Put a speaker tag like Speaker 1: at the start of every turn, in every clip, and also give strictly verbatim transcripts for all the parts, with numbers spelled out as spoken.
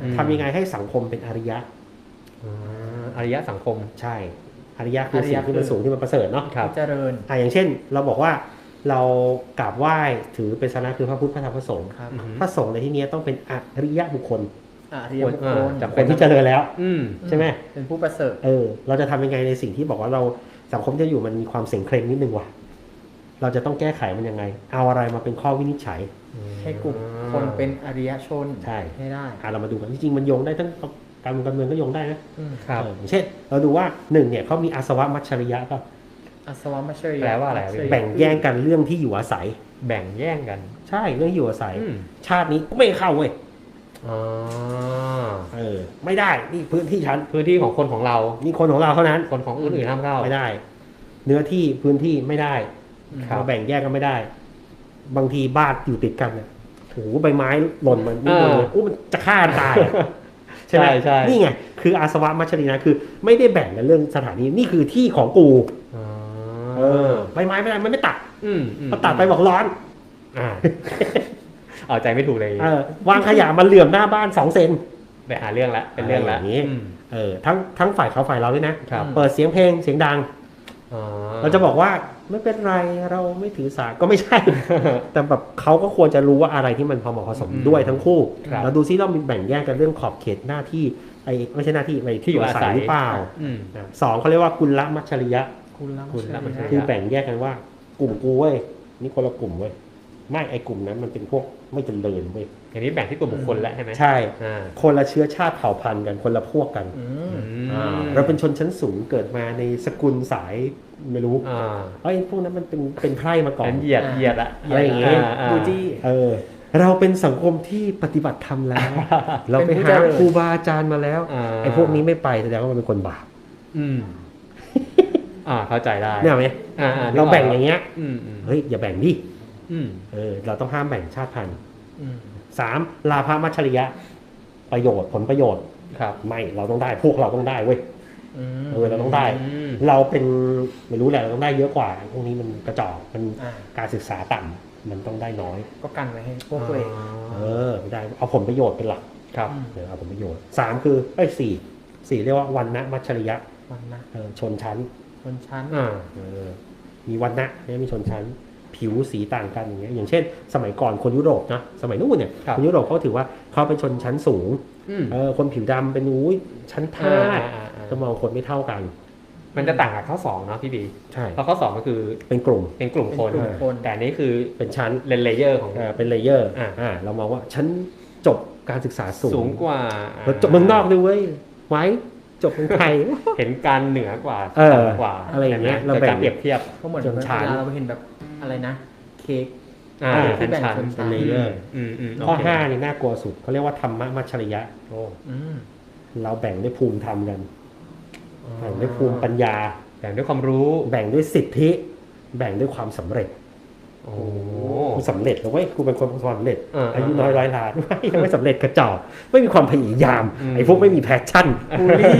Speaker 1: ทำยังไงให้สังคมเป็นอริยะ
Speaker 2: อริยะสังคม
Speaker 1: ใช่อริยะคือสิ่งที่มันสูงที่มันประเสริฐเนาะ
Speaker 3: เจริญ
Speaker 1: อ่าอย่างเช่นเราบอกว่าเรากราบไหว้ถือเป็นศาสนาคือพระพุทธพระธรรมพระสงฆ์พระสงฆ์ในที่นี้ต้องเป็นอริยะบุคคล
Speaker 3: อริยบุคคล
Speaker 1: จำเป็นที่เจริญแล้วใช่ไหม
Speaker 3: เป็นผู้ประเสริฐ
Speaker 1: เออเราจะทำยังไงในสิ่งที่บอกว่าเราสังคมที่อยู่มันมีความเสี่ยงเคร่งนิดนึงว่ะเราจะต้องแก้ไขมันยังไงเอาอะไรมาเป็นข้อวินิจฉัย
Speaker 3: ให้กลุ่มคนเป็นอริยชน
Speaker 1: ใช่
Speaker 3: ให้ได้
Speaker 1: อ่ะเรามาดูกันจริงๆมันโยงได้ทั้งการเมืองการเมืองก็โยงได้
Speaker 2: นะครับ
Speaker 1: อย่างเช่นเราดูว่าหนึ่งเนี่ยเขามีอาสวะมัชริยะก็
Speaker 3: อาสวะมัชริยะ
Speaker 2: แปลว่าอะไร
Speaker 1: แบ่งแย่งกันเรื่องที่อยู่อาศัย
Speaker 2: แบ่งแย่งกัน
Speaker 1: ใช่เรื่องอยู่อาศัยชาตินี้ไม่เข้าเว้ย
Speaker 2: อ๋อ
Speaker 1: เออไม่ได้นี่พื้นที่ฉัน
Speaker 2: พื้นที่ของคนของเรา
Speaker 1: นี่คนของเราเท่านั้น
Speaker 2: คนของอื่นๆห้ามเข้า
Speaker 1: ไม่ได้เนื้อที่พื้นที่ไม่ได้เราแบ่งแยกกันไม่ได้บางทีบ้านอยู่ติดกันเนี่ยโอ้โหใบไม้หล่นมันนี่เลยโอ้มันจะฆ่าตายใช่ไหมใช่นี่ไงคืออาสวะมัชรินะคือไม่ได้แบ่งกันเรื่องสถานีนี่คือที่ของกูเออใบไม้ไม่ได้มันไม่ตัดพอตัดไปบอกร้อน
Speaker 2: อ่าเอาใจไม่ถูกเลย
Speaker 1: เออวางขยะมันเหลื่อมหน้าบ้านสองเซน
Speaker 2: ไปหาเรื่องละเป็นเรื่องละ
Speaker 1: นี้เออทั้งทั้งฝ่ายเขาฝ่ายเราด้วยนะเปิดเสียงเพลงเสียงดังเราจะบอกว่าไม่เป็นไรเราไม่ถือสาก็ไม่ใช่แต่แบบเขาก็ควรจะรู้ว่าอะไรที่มันพอเหมาะพอสมด้วยทั้งคู่เราดูซิเรามีแบ่งแยกกันเรื่องขอบเขตหน้าที่ไอ้ไม่ใช่หน้าที่ไอ้ที่อยู่อาศัยหรือเปล่าสองเขาเรียกว่ากุลมัชริยะ
Speaker 3: กุลมัชริยะ
Speaker 1: คือแบ่งแยกกันว่ากลุ่มกูเว้ยนี่คนละกลุ่มเว้ยไม่ไอ้กลุ่มนั้นมันเป็นพวกไม่เจริญเว้ย
Speaker 2: อย่างนี้แบ่งที่ตัวบุคคลแล้วใช่ไหม
Speaker 1: ใช่คนละเชื้อชาติเผ่าพันธุ์กันคนละพวกกันเราเป็นชนชั้นสูงเกิดมาในสกุลสายไม่รู้ไอ้พวกนั้นมันเป็นเป็นไพร่มาก่อน
Speaker 2: เหยียดเหยียดอะ
Speaker 1: อะไรอย่างเงี้ย
Speaker 3: บูจี้
Speaker 1: เออเราเป็นสังคมที่ปฏิบัติธรรมแล้ว เราไปหาครูบาอาจารย์มาแล้วไอ้พวกนี้ไม่ไปแสดงว่ามันเป็นคนบาป
Speaker 2: อืมอ่าเข้าใจได้
Speaker 1: เนี่ยไหมเราแบ่งอย่างเงี้ยเฮ้ยอย่าแบ่งดิเออเราต้องห้ามแบ่งชาติพันธุ์สามลาภมัชริยะประโยชน์ผลประโยชน์
Speaker 2: ครับ
Speaker 1: ไม่เราต้องได้พวกเราต้องได้เว้ยเออเราต้องได้เราเป็นไม่รู้แหละเราต้องได้เยอะกว่าพวกนี้มันกระจอกมันการศึกษาต่ำมันต้องได้น้อย
Speaker 3: ก็กันไว้ให้พวกตัวเอง
Speaker 1: เออไม่ได้เอาผลประโยชน์เป็นหลัก
Speaker 2: ครับ
Speaker 1: เออเอาผลประโยชน์สามคือเอ้ยสี่สี่เรียกว่าวันนะมัชริยะ
Speaker 3: วันนะ
Speaker 1: เออชนชั้น
Speaker 3: ชนชั้น
Speaker 1: อ่าเออมีวันนะเนี่ยมีชนชั้นผิวสีต่างกันอย่างเงี้ยอย่างเช่นสมัยก่อนคนยุโรปนะสมัยนู้นเนี่ยคนยุโรปเขาถือว่าเขาเป็นชนชั้นสูงเออคนผิวดำเป็นอุ้ยชั้นทาสจะมองคนไม่เท่ากัน
Speaker 2: มันจะต่างกับข้อสองเนาะพี่บี
Speaker 1: ใช่
Speaker 2: เพราะข้อสองก็คือ
Speaker 1: เป็นกลุ่ม
Speaker 2: เป็นกลุ่มคนแต่นี้คือ
Speaker 1: เป็นชั้น
Speaker 2: เป็นเลเยอร์ของ
Speaker 1: เป็นเลเยอร์อ่าเรามองว่าชั้นจบการศึกษาสูง
Speaker 2: สูงกว่า
Speaker 1: เราจบเมืองนอกเลยเว้ยไว้จบเมืองไทย
Speaker 2: เห็นการเหนือกว่า
Speaker 1: ต่ำกว่าอะไรอย่างเงี้ยเราแบ่ง
Speaker 2: เปรียบเทียบ
Speaker 3: ก็เหมือนเวลาเราเห็นแบบอะไรนะเค้ก
Speaker 2: ที่แบ่งชนชั้น
Speaker 1: เลเยอร์ข้อห้านี่น่ากลัวสุดเขาเรียกว่าธรรมมัชริยะเราแบ่งด้วยภูมิธรรมกันแบ่งด้วยภูมิปัญญา
Speaker 2: แบ่งด้วยความรู้
Speaker 1: แบ่งด้วยสิทธิแบ่งด้วยความสำเร็จ
Speaker 2: โอ้
Speaker 1: กูสำเร็จแล้วเว้ยกูเป็นคนสำเร็จอายุน้อยร้อยล้านไม่ยังไม่สำเร็จกระจอกไม่มีความพยายามไอ้พวกไม่มีแพชชั่นบูลลี่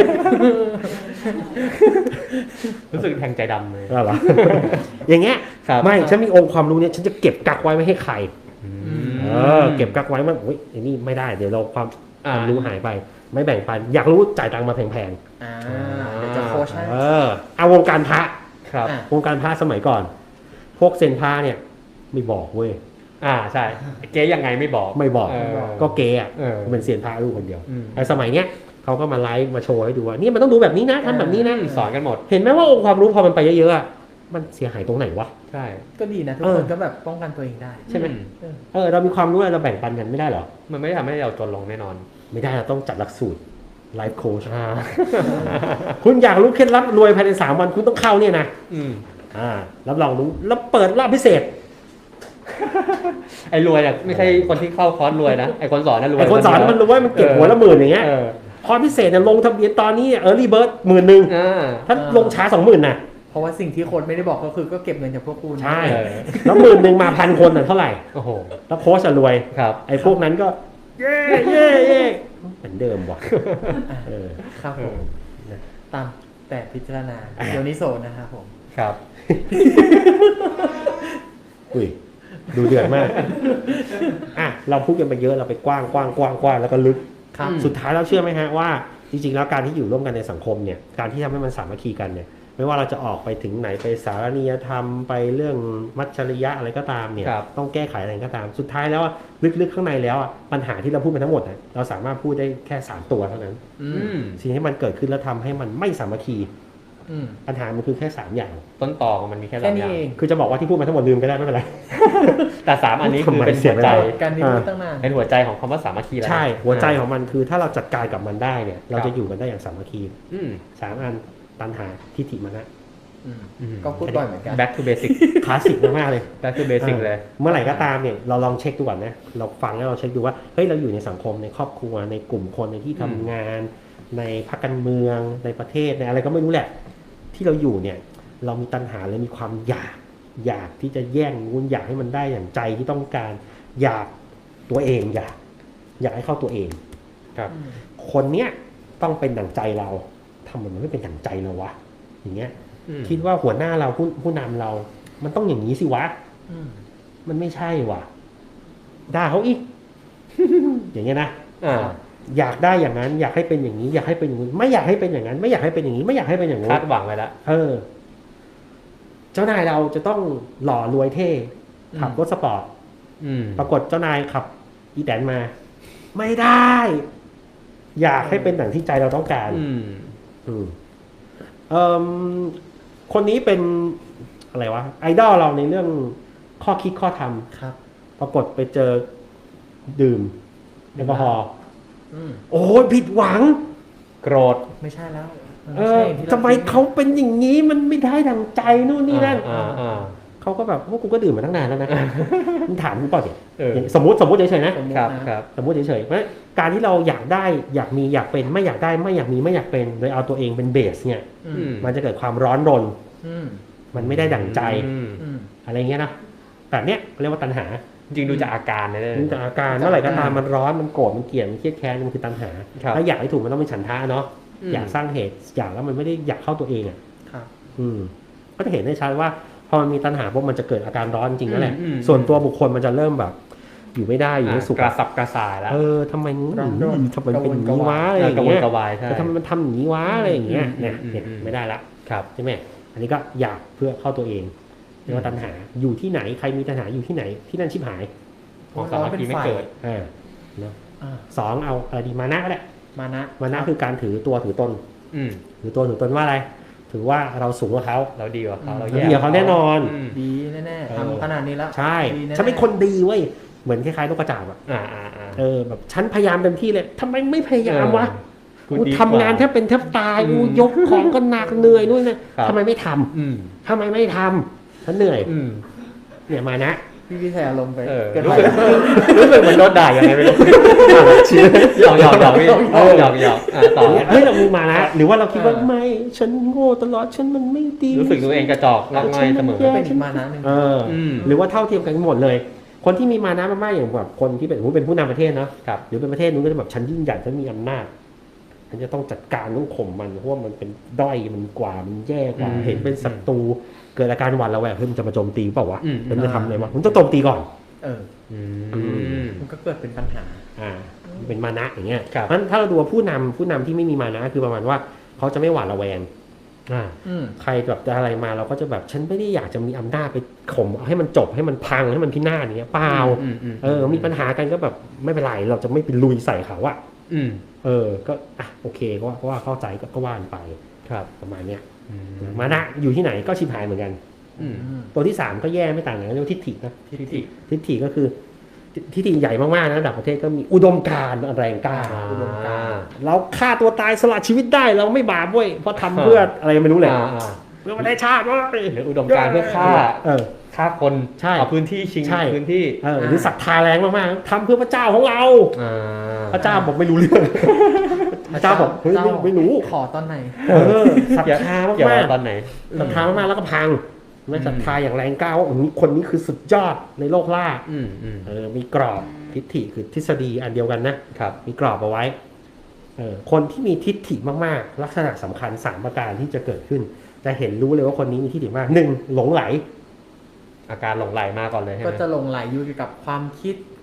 Speaker 2: รู้สึกแทงใจดำเลย
Speaker 1: เหรออย่างเงี้ยไม่ฉันมีองค์ความรู้เนี่ยฉันจะเก็บกักไว้ไม่ให้ใครเออเก็บกักไว้มันโอ้ยไอ้นี่ไม่ได้เดี๋ยวเราความความรู้หายไปไม่แบ่งปันอยากรู้จ่ายตังค์มาแพง
Speaker 3: ๆอ่าเดี๋ยวจะโค้ชให้
Speaker 1: เออเอาวงการพระ
Speaker 2: ครับ
Speaker 1: วงการพระสมัยก่อนพวกเซนพระเนี่ยไม่บอกเว้ย
Speaker 2: อ่าใช่เก๊ยังไงไม่บอก
Speaker 1: ไม่บอกก็เก๊อ่ะเป็นเซียนพระรูปคนเดียวไอ้สมัยเนี้ยเขาก็มาไลฟ์มาโชว์ให้ดูว่านี่มันต้องดูแบบนี้นะทำแบบนี้นะ
Speaker 2: สอนกันหมด
Speaker 1: เห็นไหมว่าองค์ความรู้พอมันไปเยอะๆมันเสียหายตรงไหนวะ
Speaker 2: ใช่
Speaker 3: ก็ดีนะทุกคนก็แบบป้องกันตัวเองได้
Speaker 1: ใช่ไหมเออเรามีความรู้เราแบ่งปันกันไม่ได้หรอ
Speaker 2: มันไม่ทำให้เราจนลงแน่นอน
Speaker 1: ไม่ได้เราต้องจัดหลักสูตรไลฟ์โค้ชคุณอยากรู้เคล็ดลับรวยภายในสามวันคุณต้องเข้าเนี่ยนะอ่ารับรองรู้แล้วเปิดรอบพิเศษ
Speaker 2: ไอ้รวยอ่ะไม่ใช่คนที่เข้าคอร์สรวยนะไอ้คนสอนน่ะรวย
Speaker 1: ไอ้คนสอนมันรวยมันเก็บหัวละหมื่นอย่างเงี้ยคอร์สพิเศษเนี่ยลงทะเบียนตอนนี้เออร์ลี่เบิร์ดหมื่นหนึ่งถ้าลงช้าสองหมื่นน่ะ
Speaker 3: เพราะว่าสิ่งที่โค้ชไม่ได้บอกก็คือก็เก็บเงินจากพวกคุณ
Speaker 1: ใช่แล้วหมื่นหนึ่งมาพันคนน่ะเท่าไหร่
Speaker 2: โอ้โห
Speaker 1: แล้วโค้ชจะรวย
Speaker 2: ครับ
Speaker 1: ไอ้พวกนั้นก็เย่เย่เย่เหมือนเดิมว่ะ
Speaker 3: เออครับผมตามแต่พิจารณาโยนิโสนะครับผม
Speaker 2: ครับ
Speaker 1: อุ้ยดูเดือดมากอ่ะเราพูดกันไปเยอะเราไปกว้างกว้างกว้างกว้างแล้วก็ลึก
Speaker 3: ครับ
Speaker 1: สุดท้ายเราเชื่อไหมฮะว่าจริงๆแล้วการที่อยู่ร่วมกันในสังคมเนี่ยการที่ทำให้มันสามัคคีกันเนี่ยไม่ว่าเราจะออกไปถึงไหนไปสารนิยธรรมไปเรื่องมัจฉริยะอะไรก็ตามเนี่ย
Speaker 2: ครับ
Speaker 1: ต้องแก้ไขอะไรก็ตามสุดท้ายแล้วอะลึกๆข้างในแล้วอะปัญหาที่เราพูดมาทั้งหมดนะเราสามารถพูดได้แค่สามตัวเท่านั้น
Speaker 3: อื
Speaker 2: อื
Speaker 3: ม
Speaker 2: ม
Speaker 1: สิ่งที่มันเกิดขึ้นแล้วทำให้มันไม่สามัคคี
Speaker 3: อืม
Speaker 1: ปัญหามันคือแค่สามอย่าง
Speaker 2: ต้นตอของมันมีแค่
Speaker 3: แค่
Speaker 2: สามอ
Speaker 3: นี้
Speaker 2: ย่าง
Speaker 3: เอง
Speaker 1: คือจะบอกว่าที่พูดมาทั้งหมดลืมก็ได้ไม่เป็นไร
Speaker 2: แต่สามอันนี้คือเป็น
Speaker 1: เสี
Speaker 2: หั
Speaker 1: ยว เว
Speaker 2: ใจ
Speaker 1: ลา
Speaker 3: การที่พูดตั้งนาน
Speaker 2: เป็นหัวใจของคำว่าสามัคคีแล้ว
Speaker 1: ใช่หัวใจของมันคือถ้าเราจัดการกับมันได้เนี่ยเรา
Speaker 2: ครั
Speaker 1: จะ
Speaker 2: บ
Speaker 1: อยู่กันได้อย่างสามัคคี
Speaker 2: อืม
Speaker 1: สามอันตัณหาทิฏฐิมานะ
Speaker 3: อืม
Speaker 2: อืม
Speaker 3: ก็พูดบ่อยเหมือนกัน
Speaker 2: back to basic
Speaker 1: คลาสสิกมากๆเลย
Speaker 2: back to basic เลย
Speaker 1: เมื่อไหร่ก็ตามเนี่ยเราลองเช็คดูก่อนนะเราฟังแล้วเราเช็คดูว่าเฮ้ยเราอยู่ในสังคมในครอบครัวในกลุ่มคนในที่ทำงาน ในพรรคการเมืองในประเทศในอะไรก็ไม่รู้แหละ ที่เราอยู่เนี่ยเรามีตัณหาและมีความอยากอยากที่จะแย่งนู้นอยากให้มันได้อย่างใจที่ต้องการ อยากตัวเองอยากอยากให้เข้าตัวเอง
Speaker 2: ครับ
Speaker 1: คนเนี้ยต้องเป็นดั่งใจเราทำไมมันไม่เป็นดั่งใจเราวะอย่างเงี้ย
Speaker 2: อืม
Speaker 1: คิดว่าหัวหน้าเราผู้ผู้นำเรา มันต้องอย่างนี้สิวะ
Speaker 3: อืม
Speaker 1: มันไม่ใช่ว่ะด่าเขาอีก อย่างเงี้ยนะ
Speaker 2: อ่า
Speaker 1: อยากได้อย่างนั้น อยากให้เป็นอย่างนี้ อยากให้เป็นอย่างนี้ไม่อยากให้เป็นอย่างนั้น ไม่อยากให้เป็นอย่างนี้ ไม่อยากให้เป็นอย่างนู้
Speaker 2: คาน ดหวังไว้แล้ว
Speaker 1: เออ เจ้านายเราจะต้องหล่อรวยเท่ขับรถสปอร์ต
Speaker 2: อืม
Speaker 1: ปรากฏเจ้านายขับ อีแตนมา ไม่ได้ อยากให้เป็นอย่างที่ใจเราต้องการ
Speaker 2: อืม
Speaker 1: อืมเอ่มคนนี้เป็นอะไรวะไอดอลเราในเรื่องข้อคิดข้อท
Speaker 3: ครับ
Speaker 1: ำปรากฏไปเจอดื่มแอลกอฮอล์
Speaker 3: อืม
Speaker 1: โอ้ยผิดหวัง
Speaker 2: โกรธ
Speaker 3: ไม่ใช่แล้วมัน
Speaker 1: เอ
Speaker 3: ไม่
Speaker 1: อ
Speaker 3: ใช่อย่างที่รา
Speaker 1: ทำไมเขาเป็นอย่างนี้มันไม่ได้ดังใจนู่นนี่นั่น
Speaker 2: อ่าอ่า
Speaker 1: เขาก็แบบพวกกูก็ดื่มมาตั้งนานแล้วนะ มึงถามกูเปล่าเนี่ย
Speaker 2: เออ
Speaker 1: สมมติสมมติเฉยๆนะ
Speaker 3: สมมุติ
Speaker 2: ครับ
Speaker 3: นะครับ
Speaker 2: ครับ
Speaker 1: สมมติเฉยๆเพราะการที่เราอยากได้อยากมีอยากเป็นไม่อยากได้ไม่อยากมีไม่อยากเป็นโดยเอาตัวเองเป็นเบสเนี่ย
Speaker 3: อื
Speaker 2: อื
Speaker 3: ม
Speaker 2: ม
Speaker 1: มันจะเกิดความร้อนรน
Speaker 3: อืม
Speaker 1: มันไม่ได้ดั่งใจ
Speaker 2: อืม
Speaker 3: อืม
Speaker 1: อะไรเงี้ยนะแบบเนี้ยเรียกว่าตัณหา
Speaker 2: จริงๆดูจากอาการนะเนี่ย
Speaker 1: ดูจากอาการเมื่อไหร่ก็ตามมันร้อนมันโกรธมันเกลียดมันเครียดแค้นมันคือตัณหา
Speaker 2: ครับ
Speaker 1: ถ้าอยากให้ถูกมันต้องเป็นฉันทะเนาะ
Speaker 2: ม
Speaker 1: อยากสร้างเหตุอยากแล้วมันไม่ได้อยากเข้าตัวเองอ่ะ
Speaker 3: ครับ
Speaker 1: อืมก็จะเห็นได้ชัดว่าพอมันมีตัณหาปุ๊บมันจะเกิดอาการร้อนจริงนั่นแหละ
Speaker 2: อืมอืม
Speaker 1: ส่วนตัวบุคคลมันจะเริ่มแบบ อยู่ไม่ได้อยู่ไม่สุข
Speaker 2: กระสับกระส่ายแล้ว
Speaker 1: เออทำไมมึง
Speaker 3: ร้อนรน
Speaker 1: ทำไมเป็นอย่างนี้วะอะไร
Speaker 2: เอ
Speaker 1: อ
Speaker 2: อย่าง กระวน
Speaker 1: เงี้ย
Speaker 2: กระวายใช่
Speaker 1: แต่ทำไมมันทำอย่างนี้วะอะไรอย่างเงี้ย
Speaker 2: อืม
Speaker 1: เนี่ย
Speaker 2: อืม
Speaker 1: เนี่ย
Speaker 2: อืม
Speaker 1: ไม่ได้ละ
Speaker 2: ครับ
Speaker 1: ใช่ไหมอันนี้ก็อยากเพื่อเข้าตัวเองเรียกว่าตัณหาอยู่ที่ไหนใครมีตัณหาอยู่ที่ไหนที่นั่นชิบหาย
Speaker 2: ของสามัคคีไม่เกิด
Speaker 1: อ่าเนาะ
Speaker 3: อ่า
Speaker 1: สองเอาอะไรดีมานะก็ได้
Speaker 3: มานะ
Speaker 1: มานะคือการถือตัวถือตน
Speaker 2: อืม
Speaker 1: ถือตัวถือตนว่าอะไร ถือว่าเราสูงกว่าเขา
Speaker 2: เราดีกว่าเขาเรา
Speaker 1: เรา
Speaker 2: แย่
Speaker 1: ดีกว่าเขาแน่นอน
Speaker 2: ม
Speaker 3: ดีแน่
Speaker 1: เออ
Speaker 3: ๆทำขนาดนี้แล้ว
Speaker 1: ใช่
Speaker 3: ดีแน่ๆ
Speaker 1: ฉันเป็นคนดีเว้ยเหมือนคล้ายๆนกกระจาบอะ
Speaker 2: อ่าอ่าอ่า
Speaker 1: เออแบบฉันพยายามเต็มที่เลยทำไมไม่พยายามวะ
Speaker 2: กู
Speaker 1: กู
Speaker 2: ดีกว่
Speaker 1: ทำงานแทบเป็นแทบตาย
Speaker 2: อืม
Speaker 1: กูยกของก็หนักเหนื่อยนู่นนี่
Speaker 2: ครับ
Speaker 1: ทำไมไม่ทำ
Speaker 2: อืม
Speaker 1: ทำไมไม่ทำฉันเหนื่อย
Speaker 2: อืม
Speaker 1: เนี่ยมานะ
Speaker 3: พี่พี่แสอารมณ์ไป
Speaker 2: เออ
Speaker 3: เกิน
Speaker 2: รู้
Speaker 3: ไป
Speaker 2: สึกรู้สึกเหมือนโดนด่ายังไงไม่รู้หยอกหยอกหยอกพี่หยอกหยอกอ่าต่อ
Speaker 1: เฮ้ยเรามีมานะหรือว่าเราคิดว่า
Speaker 3: เออ
Speaker 1: ไม่ฉันโง่ตลอดฉันมันไม่ดี
Speaker 2: รู้สึกตัวเองกระจอกงอกง่อยเสมอ
Speaker 1: แย่
Speaker 3: เป็นอีกมานะหนึ่ง
Speaker 1: เอออ
Speaker 2: ม
Speaker 1: หรือว่าเท่าเทียมกันหมดเลย คนที่มีมานะมากๆอย่างแบบคนที่เป็นสมมุติเป็นผู้นำประเทศเนาะ
Speaker 2: ครับ
Speaker 1: หรือเป็นประเทศนู้นก็จะแบบฉันยิ่งใหญ่ฉันมีอำนาจฉันจะต้องจัดการต้องข่มมันเพราะว่ามันเป็นด้อยมันกว่ามันแย่กว่า
Speaker 2: อืม
Speaker 1: เห็นเป็นศัตรูเกิดอาการหวั่นระแวงเฮ้ยมันจะมาโจมตีเปล่าวะ
Speaker 2: อืม
Speaker 1: มันจะทำอะไรวะมันต้องโจมตีก่อน
Speaker 3: เออ
Speaker 2: อืม
Speaker 3: มันก็เกิดเป็นปัญหา
Speaker 1: อ่าเป็นมานะอย่างเงี้ย
Speaker 2: ครับ
Speaker 1: เพราะฉะนั้นถ้าเราดูว่าผู้นำผู้นำที่ไม่มีมานะคือประมาณว่าเขาจะไม่หวาดระแวง
Speaker 2: อ่า
Speaker 3: อืม
Speaker 1: ใครแบบจะอะไรมาเราก็จะแบบฉันไม่ได้อยากจะมีอำนาจไปข่มเอาให้มันจบให้มันพังให้มันพินาศอย่างเงี้ยเปล่า
Speaker 2: อืมอืม
Speaker 1: เออมีปัญหากันก็แบบไม่เป็นไรเราจะไม่ไปลุยใส่เขาอะ
Speaker 2: อืม
Speaker 1: เออก็อ่ะโอเคก็ว่าก็ว่าเข้าใจก็ก็ว่านไป
Speaker 2: ครับ
Speaker 1: ประมาณเนี้ย
Speaker 2: อื
Speaker 1: มานะอยู่ที่ไหนก็ชิบหายเหมือนกัน
Speaker 2: อืม
Speaker 1: ตัวที่สามก็แย่ไม่ต่างกันเรียกว่าทิฏฐินะ
Speaker 2: ทิฏฐิ
Speaker 1: ทิฏฐิก็คือทิฏฐิใหญ่มากๆนะระดับประเทศก็มีอุดมการณ์แรงกล้า
Speaker 3: อุดมการณ์
Speaker 1: เราฆ่าตัวตายสละชีวิตได้เราไม่บาปเว้ยเพราะทำเพื่ออะไรไม่รู้แหละ
Speaker 2: อ่าอ่า
Speaker 1: เพื่อประเทศชาติเว้ย
Speaker 2: หรืออุดมการณ์เพื่อฆ่า
Speaker 1: เออ
Speaker 2: ฆ่าคน
Speaker 1: ใช่
Speaker 2: เอาพื้นที่ชิง
Speaker 1: ใช่
Speaker 2: พื้นที่
Speaker 1: เออหรือศรัทธาแรงมากๆทำเพื่อพระเจ้าของเรา
Speaker 2: อ่า
Speaker 1: พระเจ้าบอกไม่รู้เรื่องพระเจ้าบอกเฮ้ยไม่ไม่รู้
Speaker 3: ขอตอนไหน
Speaker 1: เออศรัทธา
Speaker 2: เกี่ยว
Speaker 1: มาก
Speaker 2: กับตอนไหน
Speaker 1: ๆศรัทธามากๆแล้วก็พังไม่ศรัทธาอย่างแรงกล้าว่าคนนี้คือสุดยอดในโลกล่า
Speaker 2: อืมอืม
Speaker 1: เออมีกรอบทิฏฐิคือทฤษฎีอันเดียวกันนะครับ มีกรอบเอาไว้เออคนที่มีทิฏฐิมากๆลักษณะสำคัญสามประการที่จะเกิดขึ้นจะเห็นรู้เลยว่าคนนี้มีทิฏฐิมากหนึ่งหลงไหล
Speaker 2: อาการหลงไหลมาก่อนเลยใช่ไห
Speaker 3: ก็
Speaker 2: ม
Speaker 3: จะหลงไหลอยู่กับความคิด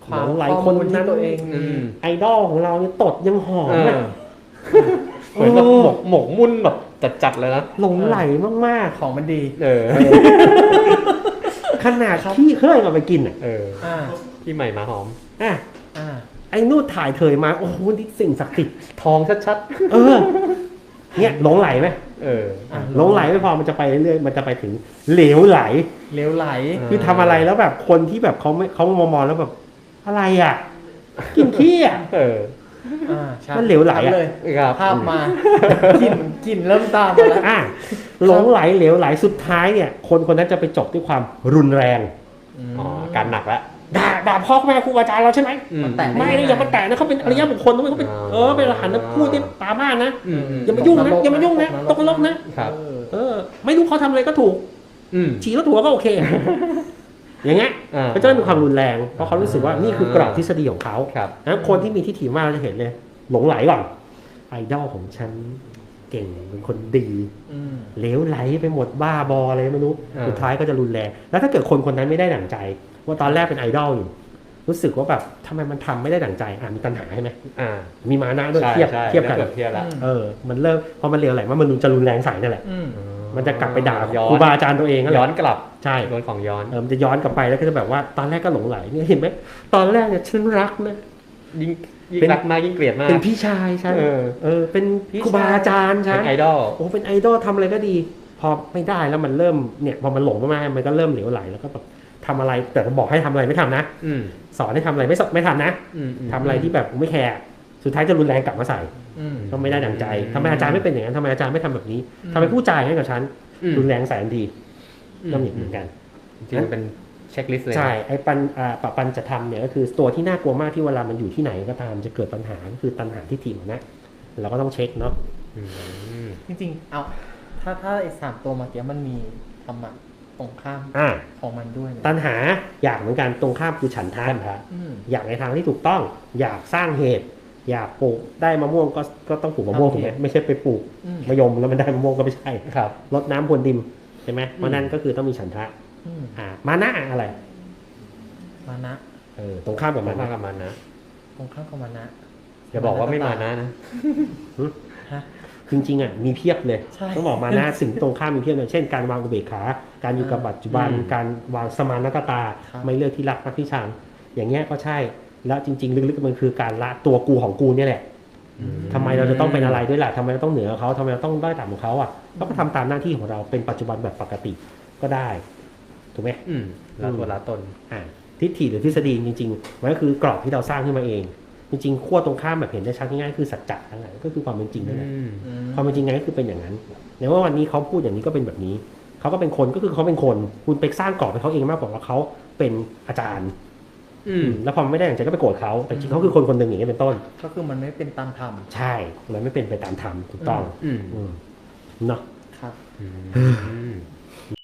Speaker 3: ความ
Speaker 1: หลงไหล
Speaker 3: ข้อ
Speaker 1: คน
Speaker 3: มูล
Speaker 1: นั้
Speaker 3: ที่
Speaker 1: น
Speaker 3: ตัวเอง
Speaker 2: อื
Speaker 3: มี
Speaker 2: ม
Speaker 1: ไอดอลของเราเนี่ยตดยังหอม
Speaker 2: เอ
Speaker 1: อะ
Speaker 2: อเหมือนแบบหมกหมกมุ่นแบบจัดๆเลยนะ
Speaker 1: หลงไหลมาก
Speaker 3: ของมันดี
Speaker 2: เออ
Speaker 1: ๆ ขนาดขี้เคยมาไปกินอ่ะ
Speaker 2: เออ
Speaker 3: อ่า
Speaker 2: พี่ใหม่มาหอม
Speaker 1: อ่ะ
Speaker 3: อ่า
Speaker 1: ไอ้นู่นถ่ายเถยมาโอ้โหนี่สิ่งศักดิ์สิทธิ์
Speaker 2: ทองชัด
Speaker 1: เออ เนี่ยหลงไหลไหม
Speaker 2: ๆ เออ
Speaker 3: อ่ะ
Speaker 1: หลงไหลไม่พอมันจะไปเรื่อยๆมันจะไปถึงเหลวไหล
Speaker 3: เลี้ยวไหล
Speaker 2: อ่า
Speaker 1: คือทำอะไรแล้วแบบคนที่แบบเขาไม่เขามองๆแล้วแบบอะไรอ่ะ กินขี้อ่ะ
Speaker 2: เออ
Speaker 3: อ่าใช่
Speaker 1: มันเหลวไหลอะ
Speaker 3: ทำเลย
Speaker 2: ครับ
Speaker 3: ภาพมากลิ่นกลิ่นเริ่มตามมาแล้ว
Speaker 1: อ่ะหลงไหลเหลวไหลสุดท้ายเนี่ย คนคนนั้นจะไปจบด้วยความรุนแรง
Speaker 2: อ๋อการหนักละ
Speaker 1: ด่าด่าพ่อแม่ครูอาจารย์เราใช่ไหม
Speaker 2: อืม
Speaker 3: แต่
Speaker 1: ไม่นะอย่ามาแตะนะเขาเป็นอริยบุคคลนะเขาเป็น
Speaker 2: อ่า
Speaker 1: เออเป็นอรหันต์นะพูดที่ตาบ้านนะ
Speaker 2: อืมอืม
Speaker 1: อย่ามายุ่งนะอย่ามายุ่งนะตกนรกนะ
Speaker 2: ครับ
Speaker 3: เออ
Speaker 1: เออ ไม่รู้เขาทำอะไรก็ถูก
Speaker 2: อืม
Speaker 1: ฉี่รถหัวก็โอเค อย่างเงี้ย
Speaker 2: อ่า
Speaker 1: เขาจะไม่มีความรุนแรง เพราะเขารู้สึกว่านี่คือกรอบทฤษฎีของเขา
Speaker 2: ครับ
Speaker 1: นะคนที่มีทิฏฐิมากเราจะเห็นเลย หลงไหลก่อน ไอดอลของฉันเก่งเป็นคนดี
Speaker 3: อืม
Speaker 1: เหลวไหลไปหมดบ้าบออะไรไม่รู้
Speaker 2: อ่า
Speaker 1: สุดท้ายก็จะรุนแรง แล้วถ้าเกิดคนคนนั้นไม่ได้ดั่งใจ ว่าตอนแรกเป็นไอดอลอยู่ รู้สึกว่าแบบทำไมมันทำไม่ได้ดั่งใจ อ่ะมีตัณหาใช่ไหม
Speaker 2: อ่า
Speaker 1: มีมานะด้วย
Speaker 2: ใช่
Speaker 1: เทียบ
Speaker 2: ใช่
Speaker 1: เทียบกัน
Speaker 2: เปรียบเทียบละ
Speaker 1: เออ มันเริ่มพอมันเหลวไหลว่ามันจะรุนแรงใส่นั่นแหละ
Speaker 3: อืม
Speaker 1: มันจะกลับไปด่า
Speaker 2: ย้อน
Speaker 1: ครูบาอาจารย์ตัวเองนั่นแห
Speaker 2: ย้อ
Speaker 1: ละ
Speaker 2: นกลับ
Speaker 1: ใช่
Speaker 2: โดนของย้อน
Speaker 1: เออมันจะย้อนกลับไปแล้วก็จะแบบว่าตอนแรกก็หลงไหลเนี่ยเห็นไหมตอนแรกเนี่ยฉันรักนะ
Speaker 2: ยิ่งยิ่ง
Speaker 1: เป็น
Speaker 2: รักมากยิ่งเกลียดมาก
Speaker 1: เป็นพี่ชายฉัน
Speaker 2: เออ
Speaker 1: เออเป็น
Speaker 2: พี่
Speaker 1: ครูบาอาจารย์ฉั
Speaker 2: เป็น นไอดอล
Speaker 1: โอ้เป็นไอดอลทำอะไรก็ดี พอไม่ได้แล้วมันเริ่มเนี่ยพอมันหลงมากๆมันก็เริ่มเหลวไหลแล้วก็แบบทำอะไรแต่บอกให้ทำอะไรไม่ทำนะ
Speaker 2: อืม
Speaker 1: สอนให้ทำอะไรไม่สไม่ทำนะ
Speaker 2: อืมม
Speaker 1: ทำอะไรที่แบบไม่แคร์สุดท้ายจะรุนแรงกลับมาใส่
Speaker 3: อืม
Speaker 1: ก็ไม่ได้ดังใจทำไมอาจารย์ไม่เป็นอย่างนั้นทำไมอาจารย์ไม่ทำแบบนี้ทำไมผู้จ่ายให้กับฉัน
Speaker 2: อืม
Speaker 1: รุนแรงใส่ทันที
Speaker 2: อืม
Speaker 1: ก็มีเหมือนกัน
Speaker 2: จริงๆมันเป็นเช็คลิสต์เลยนะ
Speaker 1: ใช่ไอ้ปัญอ่าปะปัญจะทำเนี่ยก็คือตัวที่น่ากลัวมากที่เวลามันอยู่ที่ไหนก็ตามจะเกิดปัญหาก็คือตัณหาที่ถิ่นนะเราก็ต้องเช็คเนาะ
Speaker 2: อืม
Speaker 3: จริงๆ เอาถ้าถ้าไอ้สามตัวเมื่อกี้มันมีธรรมะตรงข้าม
Speaker 1: อ่า
Speaker 3: ของมันด้วยนะ
Speaker 1: ตัณหาอยากเหมือนกันตรงข้ามคือฉันทะ
Speaker 3: อืม
Speaker 1: อยากในทางที่ถูกต้อง อยากสร้างเหตุ อยากปลูกได้มะม่วงก็ก็ต้องปลูกมะม่วง
Speaker 3: ทำ
Speaker 1: ถูกไหม
Speaker 3: เหตุ
Speaker 1: ไม่ใช่ไปปลูก
Speaker 3: อืม
Speaker 1: มะยมแล้วมันได้มะม่วงก็ไม่ใช่
Speaker 2: ครับ
Speaker 1: รดน้ำพรวนดินใช่ไหมเพราะนั่นก็คือต้องมีฉันทะ
Speaker 3: อืม
Speaker 1: อ่ามานะอะไร
Speaker 3: มานะ
Speaker 1: เออตรงข้ามกับ
Speaker 2: มั
Speaker 1: มัน น
Speaker 2: มาก
Speaker 1: นะ
Speaker 2: กับมันนะ
Speaker 3: ตรงข้ามกับมานะ
Speaker 2: อย่าบอกว่าไม่มานะนะ
Speaker 3: ฮะ
Speaker 1: จริงๆอ่ะมีเพียบเลย
Speaker 3: ใช่
Speaker 1: ต้องบอกมานะสิ่งตรงข้ามมีเพียบเลยเช่นการวางอุเบกขา การอยู่กับปัจจุบัน
Speaker 2: อืม
Speaker 1: การวางสมานตตา
Speaker 3: ครับ
Speaker 1: ไม่เลือกที่รักมักที่ชังอย่างเงี้ยก็ใช่ แล้วจริง ๆ ลึกๆมันคือการละตัวกูของกูเนี่ยแหละ ทำไมเราจะต้องเป็นอะไรด้วยล่ะทำไมเราต้องเหนือเขาทำไมเราต้องด้อยต่ำกว่าเขาอ่ะเราก็ทำตามหน้าที่ของเราเป็นปัจจุบันแบบปกติก็ได้ถูกไหม
Speaker 2: อืมละตัวละตน
Speaker 1: อ่าทิฏฐิหรือทฤษฎีจริงๆมันก็คือกรอบที่เราสร้างขึ้นมาเอง จริงๆขั้วตรงข้ามแบบเห็นได้ชัดง่ายๆคือสัจจะทั้งนั้นก็คือความเป็นจริงนั่นแหละ
Speaker 2: อืม
Speaker 3: อืม
Speaker 1: ความเป็นจริงไงก็คือเป็นอย่างนั้นในว่าวันนี้เขาพูดอย่างนี้ก็เป็นแบบนี้เขาก็เป็นคนก็คือเขาเป็นคนคุณไปสร้างกรอบให้เขาเองมากกว่าว่าเขาเป็นอาจารย์
Speaker 2: อืม
Speaker 1: แล้วพอไม่ได้อย่างใจก็ไปโกรธเขาแต่จริงเขาคือคนคนหนึ่งอย่างนี้เป็นต้น
Speaker 3: ก็คือมันไม่เป็นตามธรรม
Speaker 1: ใช่มันไม่เป็นไปตามธรรมถูกต้อง
Speaker 2: อืม
Speaker 1: อืมเนาะ
Speaker 3: ครับ
Speaker 2: อืม